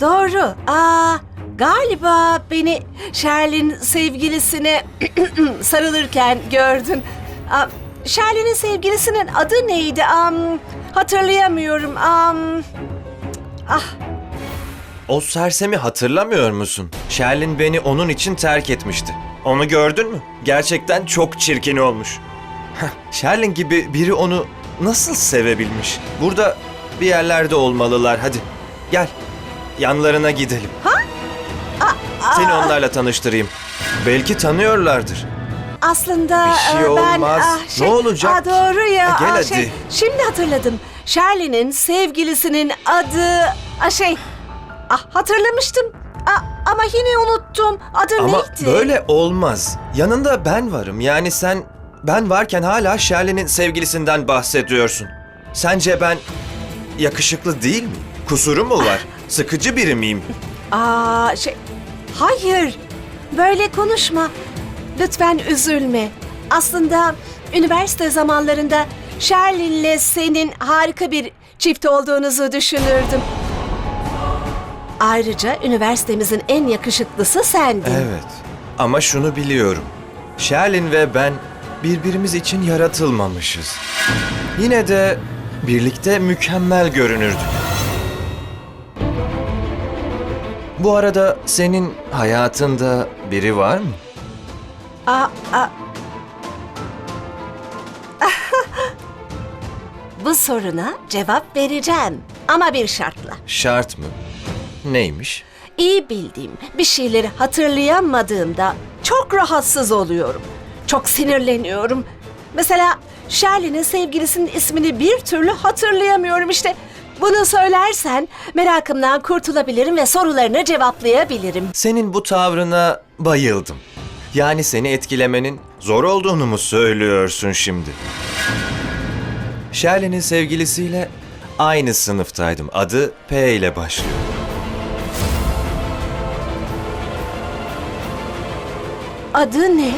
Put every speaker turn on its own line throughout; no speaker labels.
doğru. Galiba beni Sherlin sevgilisine sarılırken gördün. Sherlin'in sevgilisinin adı neydi? Hatırlayamıyorum.
O sersemi hatırlamıyor musun? Sherlin beni onun için terk etmişti. Onu gördün mü? Gerçekten çok çirkin olmuş. Sherlin gibi biri onu nasıl sevebilmiş? Burada bir yerlerde olmalılar. Hadi gel. Yanlarına gidelim. Seni onlarla tanıştırayım. Belki tanıyorlardır.
Aslında
Bir şey olmaz. Ne olacak ki?
Doğru ya.
Gel hadi.
Şimdi hatırladım. Sherlin'in sevgilisinin adı... hatırlamıştım. Ama yine unuttum. Adı
Ama
neydi?
böyle olmaz. Yanında ben varım. Yani ben varken hala Sherlin'in sevgilisinden bahsediyorsun. Sence ben yakışıklı değil miyim? Kusuru mu var? Sıkıcı biri miyim?
Hayır. Böyle konuşma. Lütfen üzülme. Aslında üniversite zamanlarında Sherlin'le senin harika bir çift olduğunuzu düşünürdüm. Ayrıca üniversitemizin en yakışıklısı sendin.
Evet. Ama şunu biliyorum. Sherlin ve ben birbirimiz için yaratılmamışız. Yine de birlikte mükemmel görünürdük. Bu arada senin hayatında biri var mı?
Bu soruna cevap vereceğim. Ama bir şartla.
Şart mı? Neymiş?
İyi bildiğim bir şeyleri hatırlayamadığımda çok rahatsız oluyorum. Çok sinirleniyorum. Mesela Sherlin'in sevgilisinin ismini bir türlü hatırlayamıyorum işte. Bunu söylersen merakımdan kurtulabilirim ve sorularını cevaplayabilirim.
Senin bu tavrına bayıldım. Yani seni etkilemenin zor olduğunu mu söylüyorsun şimdi? Sherlin'in sevgilisiyle aynı sınıftaydım. Adı P ile başlıyor.
Adı ne?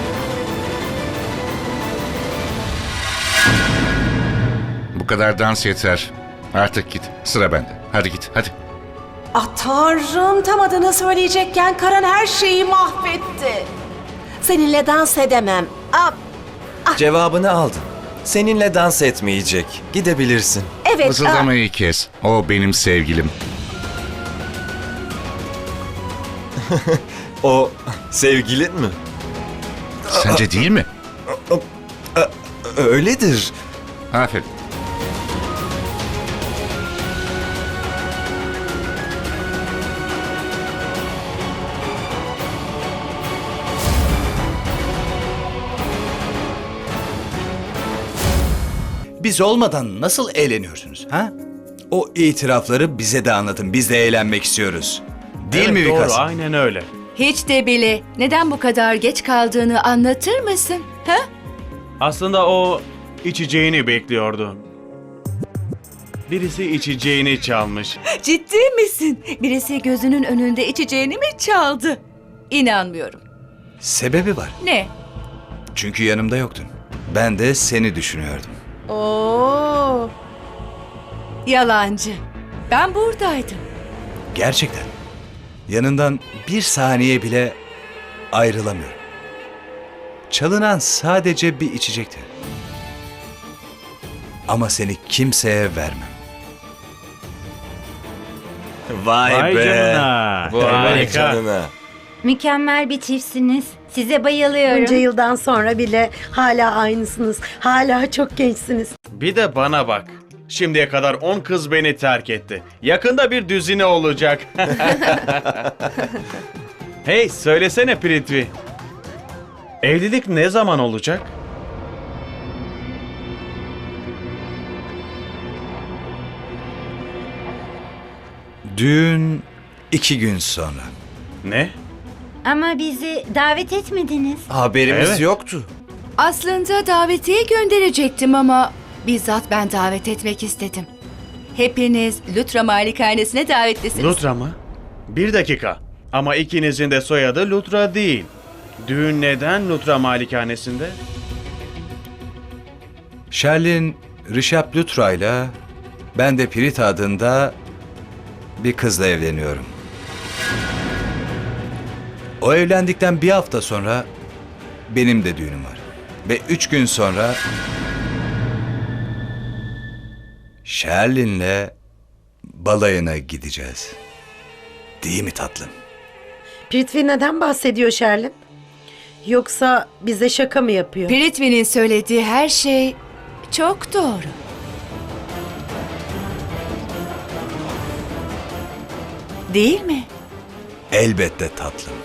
Bu kadar dans yeter. Artık git. Sıra bende. Hadi git. Hadi.
Tanrım, tam adını söyleyecekken Karan her şeyi mahvetti. Seninle dans edemem.
Cevabını aldın. Seninle dans etmeyecek. Gidebilirsin.
Evet.
Fısıldamayı kes. O benim sevgilim.
O sevgilin mi?
Sence değil mi?
Öyledir.
Aferin.
Biz olmadan nasıl eğleniyorsunuz ha? O itirafları bize de anlatın. Biz de eğlenmek istiyoruz. Değil mi
Doğru,
Vikas?
aynen öyle.
Hiç de bile. Neden bu kadar geç kaldığını anlatır mısın? Ha?
Aslında o içeceğini bekliyordu. Birisi içeceğini çalmış.
Ciddi misin? Birisi gözünün önünde içeceğini mi çaldı? İnanmıyorum.
Sebebi var.
Ne?
Çünkü yanımda yoktun. Ben de seni düşünüyordum.
Oo. Yalancı. Ben buradaydım.
Gerçekten. Yanından bir saniye bile ayrılamıyorum. Çalınan sadece bir içecekti. Ama seni kimseye vermem.
Vay,
Vay
be.
canına.
Vay
Harika.
canına.
Mükemmel bir çiftsiniz. Size bayılıyorum.
Bunca yıldan sonra bile hala aynısınız. Hala çok gençsiniz.
Bir de bana bak. Şimdiye kadar 10 kız beni terk etti. Yakında bir düzine olacak. Hey, söylesene Prithvi. Evlilik ne zaman olacak?
Düğün 2 gün sonra.
Ne?
Ama bizi davet etmediniz.
Haberimiz
Evet.
yoktu.
Aslında davetiye gönderecektim ama bizzat ben davet etmek istedim. Hepiniz Lutra Malikanesine davetlisiniz.
Lutra mı? Bir dakika. Ama ikinizin de soyadı Lutra değil. Düğün neden Lutra Malikanesinde?
Sherlin, Rishabh Lutra'yla ben de Pirit adında bir kızla evleniyorum. O evlendikten bir hafta sonra benim de düğünüm var. Ve 3 gün sonra Sherlin'le balayına gideceğiz. Değil mi tatlım?
Prithvi neden bahsediyor Sherlin? Yoksa bize şaka mı yapıyor?
Prithvi'nin söylediği her şey çok doğru. Değil mi?
Elbette tatlım.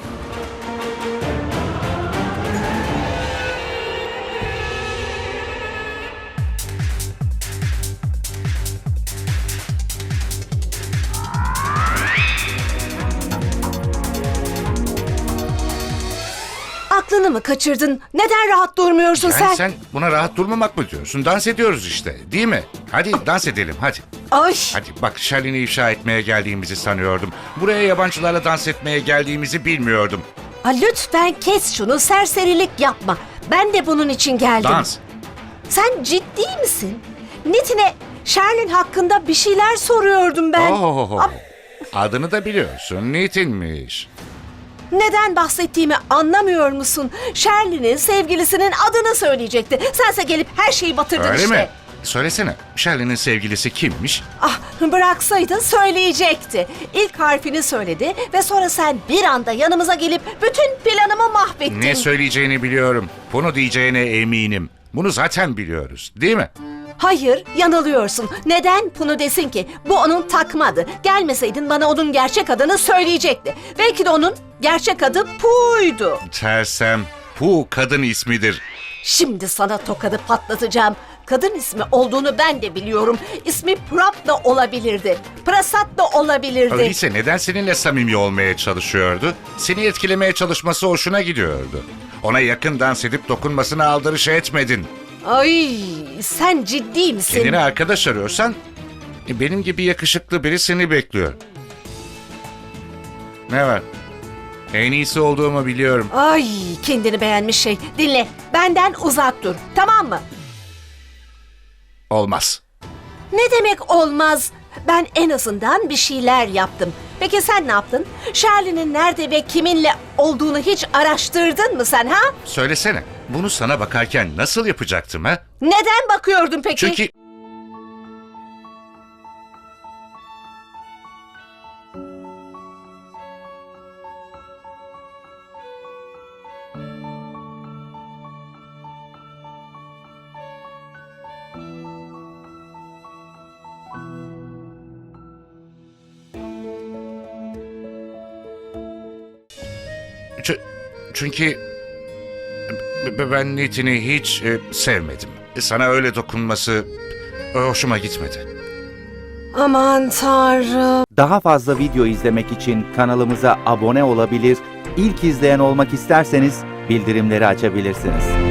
Aklını mı kaçırdın? Neden rahat durmuyorsun
Yani
sen?
sen buna rahat durmamak mı diyorsun? Dans ediyoruz işte, değil mi? Hadi dans edelim, hadi.
Ay!
Hadi bak, Sherlin'i ifşa etmeye geldiğimizi sanıyordum. Buraya yabancılarla dans etmeye geldiğimizi bilmiyordum.
Lütfen kes şunu, serserilik yapma. Ben de bunun için geldim.
Dans.
Sen ciddi misin? Nitin'e Sherlin hakkında bir şeyler soruyordum ben.
Ohohoho. Adını da biliyorsun, Nitin'miş.
Neden bahsettiğimi anlamıyor musun? Sherlin'in sevgilisinin adını söyleyecekti. Sense gelip her şeyi batırdın
Öyle
işte.
mi? Söylesene, Sherlin'in sevgilisi kimmiş?
Ah, bıraksaydın söyleyecekti. İlk harfini söyledi ve sonra sen bir anda yanımıza gelip bütün planımı mahvettin.
Ne söyleyeceğini biliyorum. Bunu diyeceğine eminim. Bunu zaten biliyoruz, değil mi?
Hayır, yanılıyorsun. Neden bunu desin ki? Bu onun takma adı. Gelmeseydin bana onun gerçek adını söyleyecekti. Belki de onun gerçek adı Pu'ydu.
Tersem, Pu kadın ismidir.
Şimdi sana tokadı patlatacağım. Kadın ismi olduğunu ben de biliyorum. İsmi Prap da olabilirdi. Prasat da olabilirdi.
Öyleyse neden seninle samimi olmaya çalışıyordu? Seni etkilemeye çalışması hoşuna gidiyordu. Ona yakın dans edip dokunmasına aldırış etmedin.
Ay, sen ciddi misin?
Kendine arkadaş arıyorsan benim gibi yakışıklı biri seni bekliyor. Ne var? En iyisi olduğumu biliyorum.
Ay, kendini beğenmiş şey. Dinle, benden uzak dur. Tamam mı?
Olmaz.
Ne demek olmaz? Ben en azından bir şeyler yaptım. Peki sen ne yaptın? Sherlin'in nerede ve kiminle olduğunu hiç araştırdın mı sen ha?
Söylesene, bunu sana bakarken nasıl yapacaktım ha?
Neden bakıyordun peki?
Çünkü... Çünkü ben Nitin'i hiç sevmedim. Sana öyle dokunması hoşuma gitmedi.
Aman Tanrım.
Daha fazla video izlemek için kanalımıza abone olabilir, ilk izleyen olmak isterseniz bildirimleri açabilirsiniz.